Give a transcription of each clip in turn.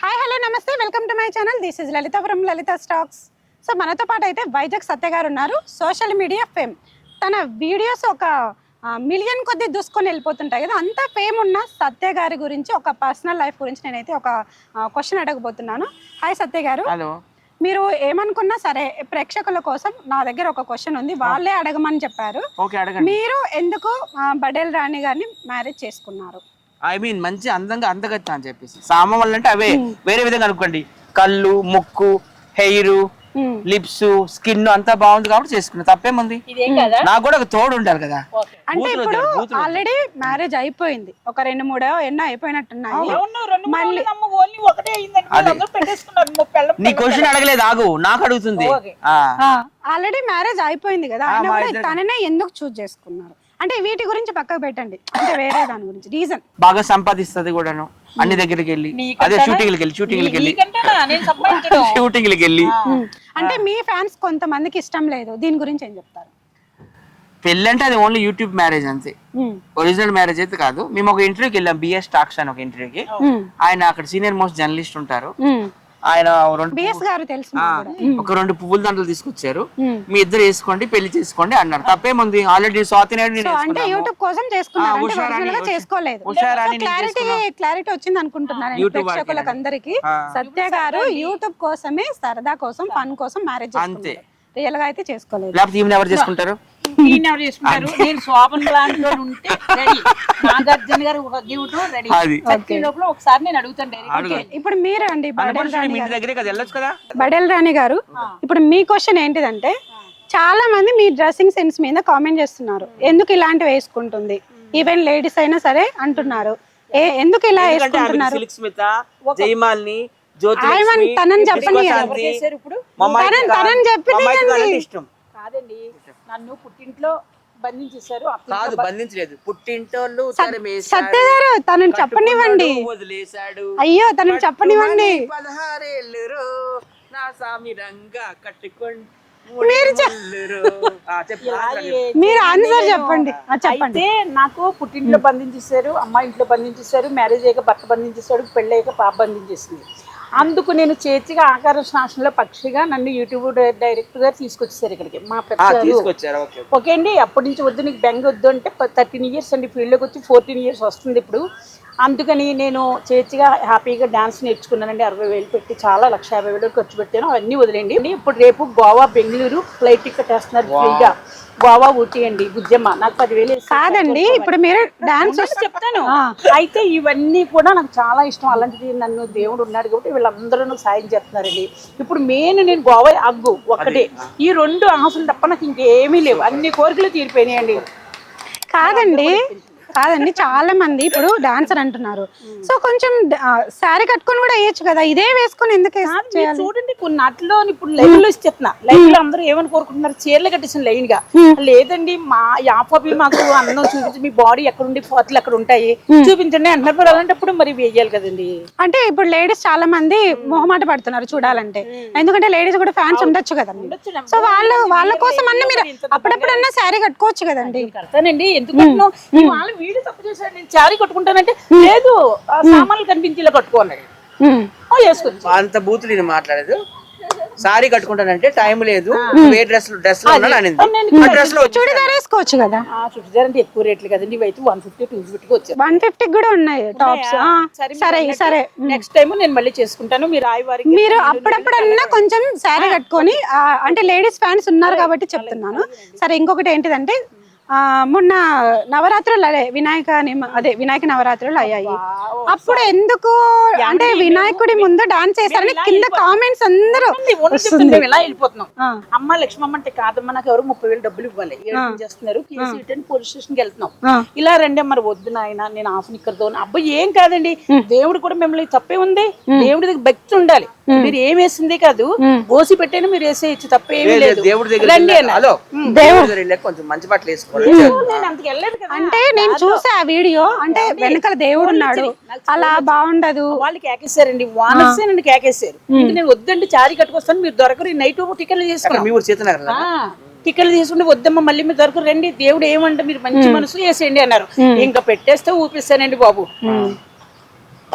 Hi hello నమస్తే welcome to my channel this is Lalitha from Lalitha stocks. So మనతో పాటు అయితే వైజాగ్ సత్య గారు ఉన్నారు. సోషల్ మీడియా ఫేమ్, తన వీడియోస్ ఒక మిలియన్ కొద్ది దూసుకొని వెళ్ళిపోతుంటాయి కదా, అంత ఫేమ్ ఉన్న సత్య గారి గురించి ఒక పర్సనల్ లైఫ్ గురించి నేనైతే ఒక క్వశ్చన్ అడగబోతున్నాను. హాయ్ సత్య గారు. హలో. మీరు ఏమనుకున్నా సరే ప్రేక్షకుల కోసం నా దగ్గర ఒక క్వశ్చన్ ఉంది, వాళ్ళే అడగమని చెప్పారు. మీరు ఎందుకు బడేల్ రాణి గారిని మ్యారేజ్ చేసుకున్నారు? ఐ మీన్ మంచి అందంగా అందగత్తా అని చెప్పేసి సామ వల్ల అంటే అవే వేరే విధంగా అనుకోండి, కళ్ళు, ముక్కు, హెయిర్, లిప్స్, స్కిన్ అంతా బాగుంది కాబట్టి చేసుకున్నా, తప్పేముంది? నాకు కూడా ఒక తోడు ఉండాలి కదా. అంటే ఇప్పుడు ఆల్రెడీ మ్యారేజ్ అయిపోయింది, ఒక 2-3 ఎన్నో అయిపోయినట్టున్నాయి. మళ్ళీ నీ క్వశ్చన్ అడగలేదు, ఆగు, నాకు అడుగుతుంది. ఆల్రెడీ మ్యారేజ్ అయిపోయింది కదా, తననే ఎందుకు చూస్ చేసుకున్నారు? అంటే వీటి గురించి పక్కకు పెట్టండి, అంటే వేరే దాని గురించి రీజన్. బాగా సంపాదిస్తుంది కూడాను, అన్ని దగ్గరికి వెళ్ళి, అదే షూటింగ్లకి వెళ్ళి. అంటే మీ ఫ్యాన్స్ కొంతమందికి ఇష్టం లేదు, దీని గురించి ఏం చెప్తారు? పెళ్ళి అంటే అది ఓన్లీ యూట్యూబ్ మ్యారేజ్ అంతే, ఒరిజినల్ మ్యారేజ్ అయితే కాదు. మేము ఒక ఇంటర్వ్యూకి వెళ్ళాం, బిఎస్ టాక్స్ అని ఒక ఇంటర్వ్యూకి. ఆయన అక్కడ సీనియర్ మోస్ట్ జర్నలిస్ట్ ఉంటారు, ఆయన ఒక 2 పువ్వుల దండలు తీసుకొచ్చారు, మీ ఇద్దరు వేసుకోండి పెళ్లి చేసుకోండి అన్నారు, తప్పేముంది? ఆల్రెడీ స్వాతి క్లారిటీ వచ్చింది అనుకుంటున్నాను ప్రేక్షకులకు అందరికి. సత్య గారు యూట్యూబ్ కోసమే, సరదా కోసం, ఫన్ కోసం మ్యారేజ్ అంతే, రియల్ గా అయితే చేసుకోలేదు. లేకపోతే ఈమెను ఎవరు చేసుకుంటారు? నేను శోభన్ ప్లాన్ లో ఉంటే రెడీ, నాగార్జున గారు ఒక గిఫ్ట్ రెడీ. లోపల ఒకసారి నేను అడుగుతాను. ఇప్పుడు మీరు అండి బడేల్ రాణి గారు, ఇప్పుడు మీ క్వశ్చన్ ఏంటిదంటే, చాలా మంది మీ డ్రెస్సింగ్ సెన్స్ మీద కామెంట్ చేస్తున్నారు, ఎందుకు ఇలాంటివి వేసుకుంటుంది, ఈవెన్ లేడీస్ అయినా సరే అంటున్నారు, ఎందుకు ఇలా వేసుకుంటున్నారు? తనని చెప్పండి, కాదండి, నన్ను పుట్టింట్లో బంధించేశారు. బంధించలేదు, పుట్టింటోళ్ళు సత్య గారు తనని చెప్పనివ్వండి. అయ్యో తనని చెప్పనివ్వండి. 16 ఏళ్ళు నా సామిరంగా కట్టుకోండి, మీరు ఆన్సర్ చెప్పండి. అయితే నాకు పుట్టింట్లో బంధించేశారు, అమ్మ ఇంట్లో బంధించేశారు, మ్యారేజ్ అయ్యాక భర్త బంధించేశాడు, పెళ్ళి అయ్యాక పాప బంధించేసింది. అందుకు నేను చేతిగా ఆకార శాసనంలో పక్షిగా నన్ను యూట్యూబ్ డైరెక్టర్ గారు తీసుకొచ్చేసారు ఇక్కడికి, మా ఓకే అండి. అప్పటి నుంచి వద్దు, నీకు బెంగ వద్దు అంటే 13 ఇయర్స్ అండి, ఫీల్డ్లోకి వచ్చి 14 ఇయర్స్ వస్తుంది ఇప్పుడు. అందుకని నేను చేతిగా హ్యాపీగా డాన్స్ నేర్చుకున్నానండి, 60,000 పెట్టి, చాలా 1,50,000 ఖర్చు పెట్టాను, అవన్నీ వదిలేండి. ఇప్పుడు రేపు గోవా, బెంగళూరు ఫ్లైట్ టికెట్ వేస్తున్నారు ఫ్రీగా, గోవా ఊటీ అండి. బుజ్జమ్మ నాకు 10,000 కాదండి, ఇప్పుడు మీరు డాన్స్ చెప్తాను. అయితే ఇవన్నీ కూడా నాకు చాలా ఇష్టం, అలాంటిది నన్ను దేవుడు ఉన్నాడు కాబట్టి వీళ్ళందరూ నాకు సాయం చేస్తున్నారండి. ఇప్పుడు మెయిన్ నేను గోవా అగ్గు ఒక్కటే, ఈ 2 ఆశలు తప్ప నాకు ఇంకేమీ లేవు, అన్ని కోరికలు తీరిపోయినాయండి. కాదండి చాలా మంది ఇప్పుడు డాన్సర్ అంటున్నారు, సో కొంచెం శారీ కట్టుకొని కూడా వేయచ్చు కదా, ఇదే వేసుకొని ఎందుకు? చూడండి కొన్ని నాటిలో ఇప్పుడు లైవ్ లో ఇచ్చేస్తున్నా, లైవ్ లో అందరూ ఏమని కోరుకుంటున్నారు, చీరలు కట్టేసిన లైన్ గా. లేదండి మా యాపి మాకు అన్నం చూపించి, మీ బాడీ ఎక్కడుండి ఫోటోలు ఎక్కడ ఉంటాయి చూపించండి అంటున్నారు. అలాంటప్పుడు మరి వేయాలి కదండి. అంటే ఇప్పుడు లేడీస్ చాలా మంది మొహమాట పడుతున్నారు చూడాలంటే, ఎందుకంటే లేడీస్ కూడా ఫ్యాన్స్ ఉండొచ్చు కదండి, సో వాళ్ళ కోసం అన్న మీరు అప్పుడప్పుడన్నా శారీ కట్టుకోవచ్చు కదండి. కడతానండి, ఎందుకంటున్నావు వీడు తప్పు చేశాడు, నేను శారీ కట్టుకుంటానంటే లేదు, సామాన్లు కనిపించేలా కట్టుకోన్నాడు, వేసుకోవచ్చు. అంత బూతులు నేను మాట్లాడేది, సారీ కట్టుకుంటానంటే టైం లేదు, డ్రెస్ చూడీదార్ వేసుకోవచ్చు కదా. చూడీదార్ అంటే ఎక్కువ రేట్లు కదండి, ఇవైతే 150, 250 వచ్చాయి, 150 కూడా ఉన్నాయి టాప్స్. సరే నెక్స్ట్ టైం నేను మళ్ళీ చేసుకుంటాను. మీరు అప్పుడప్పుడన్నా కొంచెం శారీ కట్టుకొని, అంటే లేడీస్ ఫ్యాన్స్ ఉన్నారు కాబట్టి చెప్తున్నాను. సరే ఇంకొకటి ఏంటిదంటే, మొన్న నవరాత్రులు వినాయక నవరాత్రులు అయ్యాయి, అప్పుడు ఎందుకు అంటే వినాయకుడి ముందు డాన్స్ చేశారని కింద కామెంట్స్ అందరూ ఇలా వెళ్ళిపోతున్నాం. అమ్మ లక్ష్మమ్మ అంటే కాదమ్మా, నాకు ఎవరు 30,000 డబ్బులు ఇవ్వాలి, చేస్తున్నారు, కేసు రిటర్న్ పోలీస్ స్టేషన్ కి వెళ్తున్నాం, ఇలా రండి మరి వద్దు నాయన నేను హాఫ్ నిక్కర్తో. అబ్బాయి ఏం కాదండి, దేవుడు కూడా మిమ్మల్ని తప్పే ఉంది, దేవుడి దగ్గర భక్తి ఉండాలి, మీరు ఏం వేసిందే కాదు గోసి పెట్టేనా మీరు వేసేయచ్చు, తప్పేమీ లేదు. దేవుడి దగ్గర కొంచెం మంచి బట్టలు వేసుకో. అంటే నేను చూసా ఆ వీడియో, అంటే వెనకాల దేవుడు ఉన్నాడు, అలా బాగుండదు. వాళ్ళు కేకేశారండి, వానర్సే నన్ను కేకేశారు. నేను వద్దండి చారీ కట్టుకొస్తాను, మీరు దొరకరు, నైట్ టికెట్లు చేసుకున్నాను, టికెట్లు తీసుకుంటే వద్దమ్మా మళ్ళీ మీరు దొరకరు, రండి దేవుడు ఏమంటే మీరు మంచి మనసు వేసేయండి అన్నారు. ఇంకా పెట్టేస్తే ఊపిస్తానండి బాబు.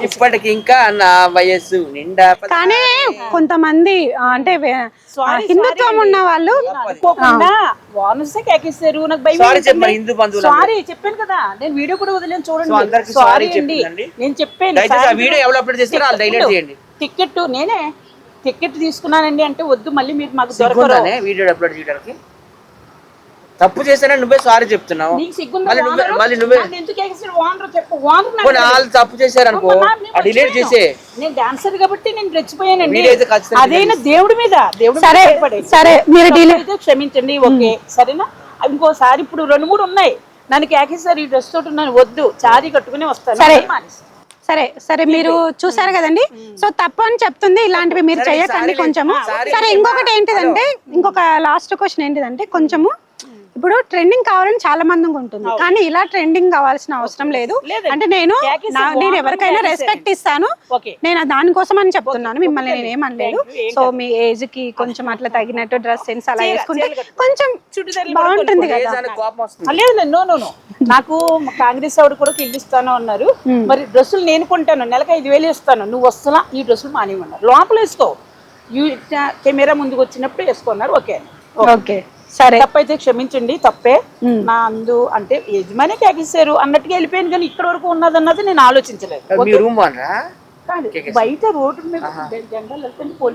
ఇప్పటికి ఇంకా నా వయస్సు నిండా కానీ కొంతమంది అంటే హిందుత్వం ఉన్న వాళ్ళు అనుకోకుండా వానసే కేకేశారు. నాకు భయం సారీ చెప్పండి హిందూ బంధువులు సారీ చెప్పాను కదా, నేను వీడియో కూడా వదిలేను సో చూడండి. అందరికీ సారీ సారీ అండి, చెప్పండి. నేను చెప్పాను. దయచేసి ఆ వీడియో ఎవరు అప్లోడ్ చేస్తారో వాళ్ళు డైలెట్ చేయండి. టికెట్ నేనే టికెట్ తీసుకున్నానండి అంటే వద్దు, మళ్ళీ మీరు మాకు దొరకరు. సిగ్గుందానే వీడియో అప్లోడ్ చేయడానికి? తప్పు చేశానని నువ్వే సారీ చెప్తున్నావు. నీకు సిగ్గుందా? మళ్ళీ నువ్వే నన్ను ఎందుకు కేకేశారు? ఓనర్ చెప్పు. ఓనర్ పోనీ వాళ్ళు తప్పు చేశారు అనుకో డిలీట్ చేసే. నేను డాన్సర్ కాబట్టి నేను రెచ్చిపోయానండి. వీడియో అయితే ఖచ్చితంగా అదేనా దేవుడి మీద సరే సరే మీరు అయితే క్షమించండి. ఓకే సరేనా? ఇంకోసారి ఇప్పుడు 2-3 ఉన్నాయి నన్ను కేకేశారు ఈ డ్రెస్ తోటి ఉన్నాను, వద్దు చారీ కట్టుకుని వస్తాను. సరే. మానేసి. సరే సరే మీరు చూసారు కదండి. సో తప్పు అని చెప్తుంది, ఇలాంటివి మీరు చేయకండి కొంచెము. సరే ఇంకొకటి ఏంటిదంటే, ఇంకొక లాస్ట్ క్వశ్చన్ ఏంటిదంటే, కొంచెము ఇప్పుడు ట్రెండింగ్ కావాలని చాలా మందికి ఉంటుంది, కానీ ఇలా ట్రెండింగ్ కావాల్సిన అవసరం లేదు. అంటే నేను ఎవరికైనా రెస్పెక్ట్ ఇస్తాను, ఓకే నేను దానికోసం అని చెప్తున్నాను, మిమ్మల్ని నేను ఏమనలేదు. సో మీ ఏజ్ కి కొంచెం అట్లా తగినట్టు డ్రెస్ సెన్స్ అలా వేసుకుంటే కొంచెం బాగుంటుంది కదా. కోపం వస్తుంది. లేదు నో నో నో, నాకు కాంగ్రెస్ ఆవిడ కూడా ఇల్లు ఇస్తాను అన్నారు. మరి డ్రెస్సులు నేను కొంటాను, నెలకు 5,000 ఇస్తాను, నువ్వు వస్తున్నా ఈ డ్రెస్సులు మానేమన్నారు. లోపల వేసుకో, కెమెరా ముందుకు వచ్చినప్పుడు వేసుకున్నారు. ఓకే ఓకే సరే. తప్పైతే క్షమించండి, తప్పే నా అందు అంటే యజమాని కేకేశారు అన్నట్టుగా వెళ్ళిపోయాను, కానీ ఇక్కడ వరకు ఉన్నదన్నది నేను ఆలోచించలేదు. మీ రూమ్ వానరా? కాదు బయట రోడ్డు మీద జెండాలు వెళ్తే